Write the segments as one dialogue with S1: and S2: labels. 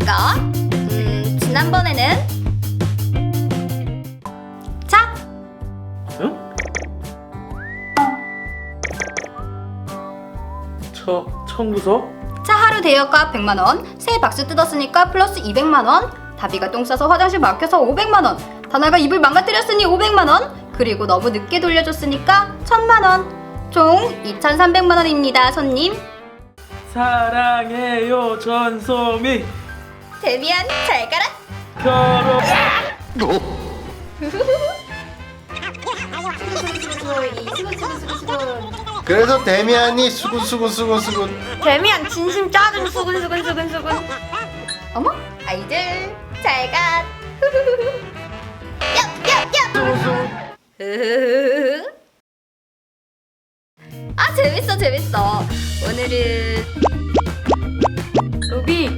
S1: 거? 지난번에는 자!
S2: 응? 청구서?
S1: 차 하루 대여가 100만원, 새해 박스 뜯었으니까 플러스 200만원, 다비가 똥 싸서 화장실 막혀서 500만원, 다나가 입을 망가뜨렸으니 500만원, 그리고 너무 늦게 돌려줬으니까 1000만원, 총 2300만원입니다, 손님.
S2: 사랑해요 전소미.
S1: 데미안 잘 가라.
S2: 결혼.
S3: 그래서 데미안이 수근수근.
S1: 데미안 진심 짜증 수근수근. 어머, 아이들 잘 가. 아 재밌어. 오늘은
S4: 루비,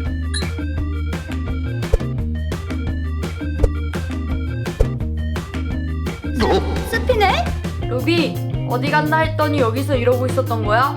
S1: 스피네?
S4: 루비, 어디 갔나 했더니 여기서 이러고 있었던 거야?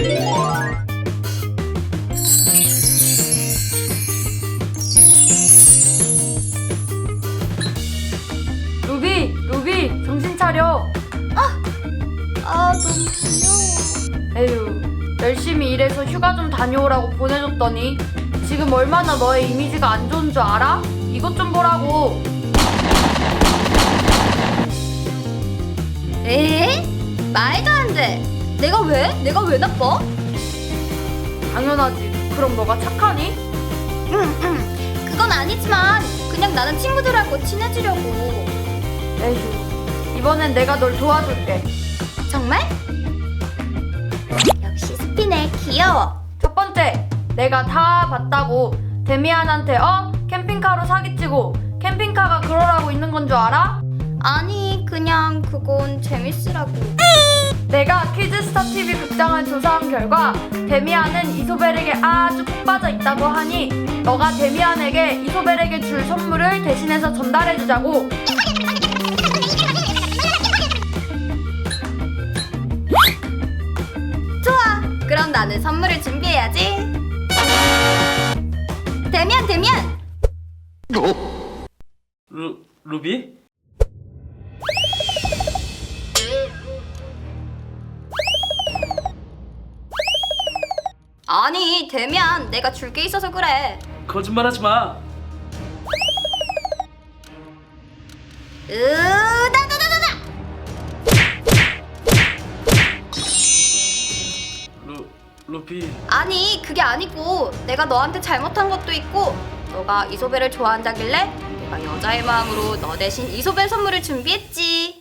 S4: 루비, 정신 차려.
S1: 아 너무 귀여워.
S4: 에휴, 열심히 일해서 휴가 좀 다녀오라고 보내줬더니 지금 얼마나 너의 이미지가 안 좋은 줄 알아? 이것 좀 보라고.
S1: 에? 말도 안 돼. 내가 왜 나빠?
S4: 당연하지. 그럼 너가 착하니?
S1: 그건 아니지만 그냥 나는 친구들하고 친해지려고.
S4: 에휴, 이번엔 내가 널 도와줄게.
S1: 정말? 역시 스피네 귀여워.
S4: 첫 번째, 내가 다 봤다고 데미안한테 캠핑카로 사기치고 캠핑카가 그러라고 있는 건 줄 알아?
S1: 아니 그냥 그건 재밌으라고.
S4: 내가 키즈스타 TV 극장을 조사한 결과 데미안은 이소벨에게 아주 푹 빠져 있다고 하니 너가 데미안에게 이소벨에게 줄 선물을 대신해서 전달해주자고.
S1: 좋아. 그럼 나는 선물을 준비해야지. 데미안.
S2: 루비?
S1: 아니 데미안 내가 줄 게 있어서 그래.
S2: 거짓말하지 마.
S1: 으다다다다다.
S2: 루비.
S1: 아니 그게 아니고 내가 너한테 잘못한 것도 있고 너가 이소벨을 좋아한다길래 내가 여자의 마음으로 너 대신 이소벨 선물을 준비했지.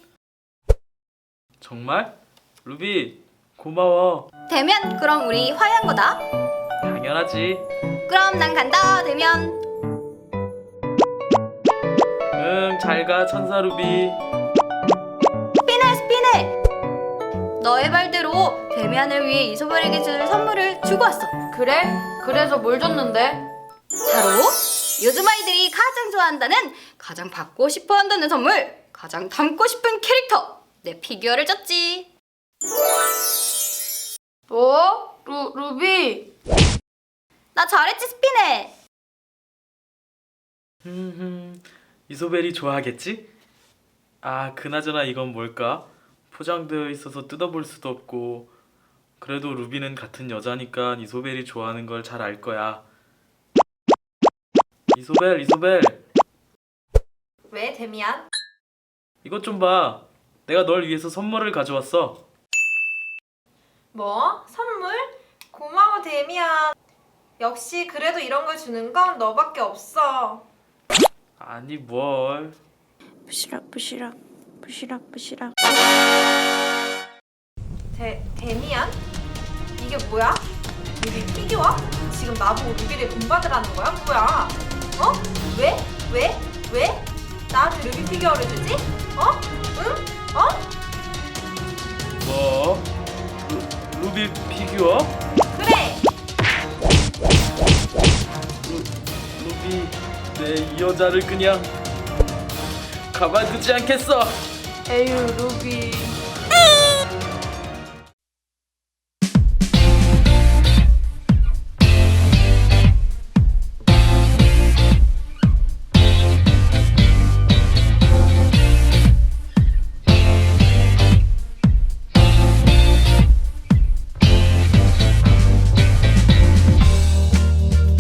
S2: 정말? 루비 고마워.
S1: 데미안 그럼 우리 화해한 거다.
S2: 당연하지.
S1: 그럼 난 간다 데미안.
S2: 응, 잘 가 천사 루비.
S1: 스피네. 너의 말대로 데미안을 위해 이소벨에게 줄 선물을 주고 왔어.
S4: 그래? 그래서 뭘 줬는데?
S1: 바로 요즘 아이들이 가장 좋아한다는, 가장 받고 싶어 한다는 선물, 가장 닮고 싶은 캐릭터, 내 피규어를 줬지.
S4: 뭐? 루비?
S1: 나 잘했지 스피네.
S2: 이소벨이 좋아하겠지? 아, 그나저나 이건 뭘까? 포장되어 있어서 뜯어볼 수도 없고. 그래도 루비는 같은 여자니까 이소벨이 좋아하는 걸 잘 알 거야. 이소벨.
S4: 왜 데미안?
S2: 이것 좀 봐. 내가 널 위해서 선물을 가져왔어.
S5: 뭐? 선물? 고마워 데미안. 역시 그래도 이런 걸 주는 건 너밖에 없어.
S2: 아니 뭘.
S5: 부시락. 데미안? 이게 뭐야? 루비 피규어? 지금 나보고 루비를 본받으라는 거야? 뭐야? 어? 왜? 나한테 루비 피규어를 주지? 응?
S2: 뭐? 루비 피규어?
S5: 그래!
S2: 루비, 내 이 여자를 그냥 가만두지 않겠어.
S4: 에휴 루비.